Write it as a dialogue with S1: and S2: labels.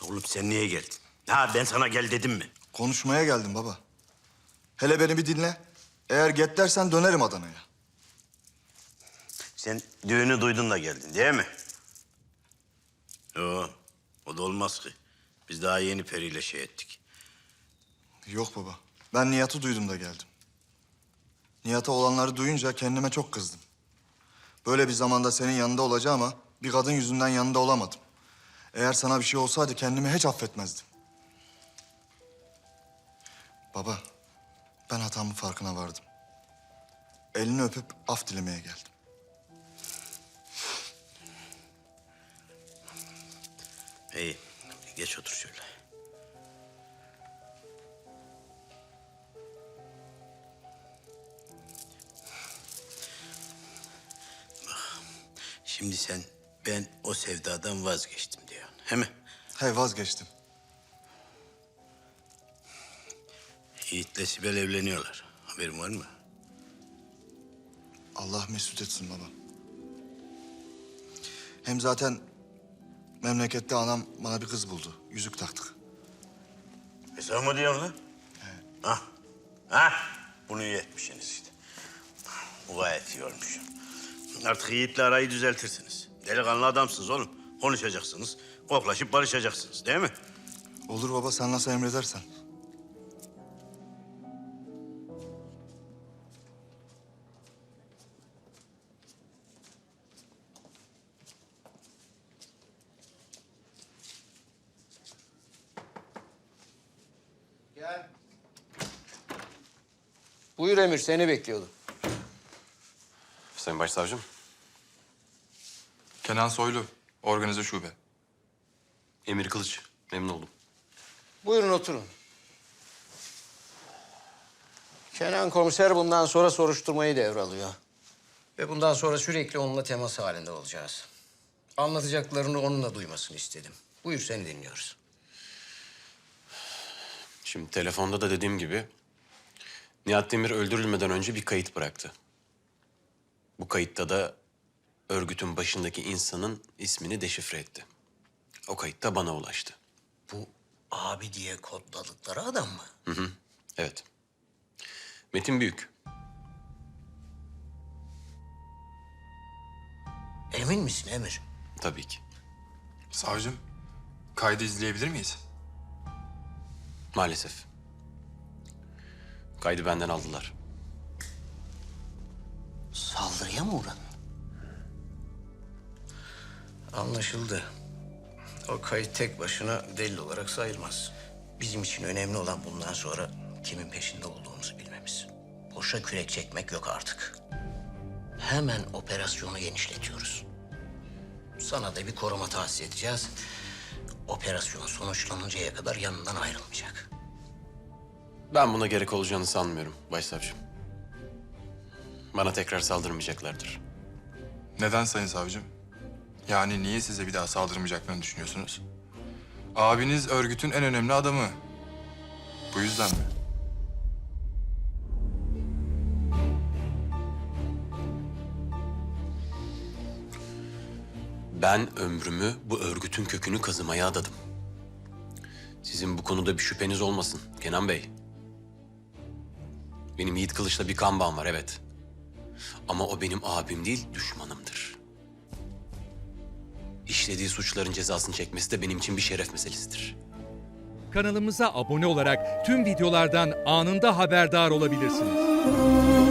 S1: Oğlum sen niye geldin? Ha ben sana gel dedim mi?
S2: Konuşmaya geldim baba. Hele beni bir dinle. Eğer get dersen dönerim Adana'ya.
S1: Sen düğünü duydun da geldin değil mi? Yok, o da olmaz ki. Biz daha yeni Peri'yle şey ettik.
S2: Yok baba. Ben Nihat'ı duydum da geldim. Nihat'a olanları duyunca kendime çok kızdım. Böyle bir zamanda senin yanında olacağım ama bir kadın yüzünden yanında olamadım. Eğer sana bir şey olsaydı kendimi hiç affetmezdim. Baba, ben hatamın farkına vardım. Elini öpüp af dilemeye geldim.
S1: İyi, geç otur şöyle. Bak, şimdi sen ben o sevdadan vazgeçtim diyorsun, he mi?
S2: He vazgeçtim.
S1: Yiğit'le Sibel evleniyorlar. Haberin var mı?
S2: Allah mesut etsin baba. Hem zaten memlekette anam bana bir kız buldu. Yüzük taktık.
S1: Sen mı diyorsun lan? Ha? Ha? Bunu iyi etmişsiniz işte. Bu gayet iyi olmuş. Artık Yiğit'le arayı düzeltirsiniz. Delikanlı adamsınız oğlum. Konuşacaksınız, koklaşıp barışacaksınız değil mi?
S2: Olur baba, sen nasıl emredersen.
S3: Gel. Buyur Emir, seni bekliyordum.
S4: Sayın Başsavcım.
S5: Kenan Soylu, organize şube.
S4: Emir Kılıç. Memnun oldum.
S3: Buyurun oturun. Kenan komiser bundan sonra soruşturmayı devralıyor. Ve bundan sonra sürekli onunla temas halinde olacağız. Anlatacaklarını onunla duymasını istedim. Buyur, seni dinliyoruz.
S4: Şimdi telefonda da dediğim gibi Nihat Demir öldürülmeden önce bir kayıt bıraktı. Bu kayıtta da örgütün başındaki insanın ismini deşifre etti. O kayıt da bana ulaştı.
S3: Bu abi diye kodladıkları adam mı?
S4: Evet. Metin Büyük.
S3: Emin misin Emir?
S4: Tabii ki.
S5: Savcım, kaydı izleyebilir miyiz?
S4: Maalesef. Kaydı benden aldılar.
S3: Saldırıya mı uğradın? Anlaşıldı. O kayıt tek başına delil olarak sayılmaz. Bizim için önemli olan bundan sonra kimin peşinde olduğumuzu bilmemiz. Boşa kürek çekmek yok artık. Hemen operasyonu genişletiyoruz. Sana da bir koruma tahsis edeceğiz. Operasyon sonuçlanıncaya kadar yanından ayrılmayacak.
S4: Ben buna gerek olacağını sanmıyorum Başsavcım. Bana tekrar saldırmayacaklardır.
S5: Neden sayın savcım? Yani niye size bir daha saldırmayacaklarını düşünüyorsunuz? Abiniz örgütün en önemli adamı. Bu yüzden mi?
S4: Ben ömrümü bu örgütün kökünü kazımaya adadım. Sizin bu konuda bir şüpheniz olmasın Kenan Bey. Benim Yiğit Kılıç'la bir kan bağım var, evet. Ama o benim abim değil, düşmanımdır. İşlediği suçların cezasını çekmesi de benim için bir şeref meselesidir.
S6: Kanalımıza abone olarak tüm videolardan anında haberdar olabilirsiniz.